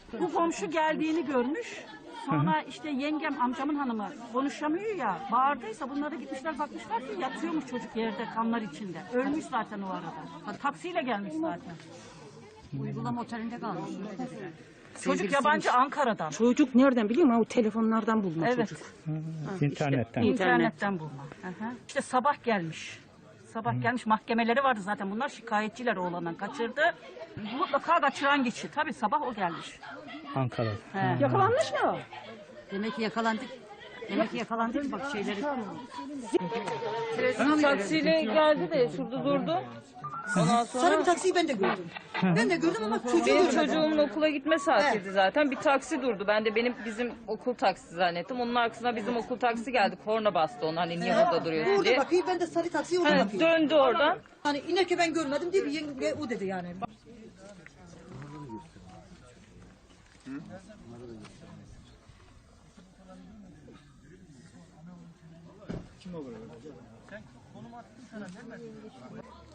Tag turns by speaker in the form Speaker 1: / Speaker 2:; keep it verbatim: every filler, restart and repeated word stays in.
Speaker 1: Bu komşu geldiğini görmüş. Sonra işte yengem, amcamın hanımı konuşamıyor ya, bağırdıysa bunlara gitmişler bakmışlar ki yatıyormuş çocuk yerde kanlar içinde. Ölmüş zaten o arada. Taksiyle gelmiş zaten.
Speaker 2: Uygulama otelinde kalmış.
Speaker 1: Çocuk yabancı Ankara'dan.
Speaker 3: Çocuk nereden biliyor musun? O telefonlardan bulma
Speaker 1: Evet.
Speaker 3: çocuk.
Speaker 4: İnternetten.
Speaker 1: İnternetten bulma. Aha. İşte sabah gelmiş. Sabah gelmiş, mahkemeleri vardı zaten. Bunlar şikayetçiler, oğlandan kaçırdı. Mutlaka kaçıran kişi. Tabii sabah o gelmiş.
Speaker 4: Ankara'da.
Speaker 1: He.
Speaker 3: Yakalanmış mı o?
Speaker 2: Demek ki yakalandık. Demek ki yakalandık bak şeyleri.
Speaker 5: Taksiyle geldi de şurada durdu. Ondan sonra
Speaker 6: Sarı bir taksiyi ben de gördüm. Ben de gördüm ama çocuğu
Speaker 5: benim
Speaker 6: görmedim.
Speaker 5: çocuğumun okula gitme saatiydi zaten. Bir taksi durdu. Ben de benim bizim okul taksi zannettim. Onun arkasına bizim okul taksi geldi. Korna bastı onu hani niye burada duruyorsun
Speaker 6: Orada
Speaker 5: diye.
Speaker 6: bakıyor, ben de sarı taksiye orada
Speaker 5: Hani
Speaker 6: bakıyorum.
Speaker 5: döndü oradan.
Speaker 6: Hani inerken ben görmedim diye bir yenge o dedi yani.
Speaker 4: Kim olur? Sen konum attın sana vermedin.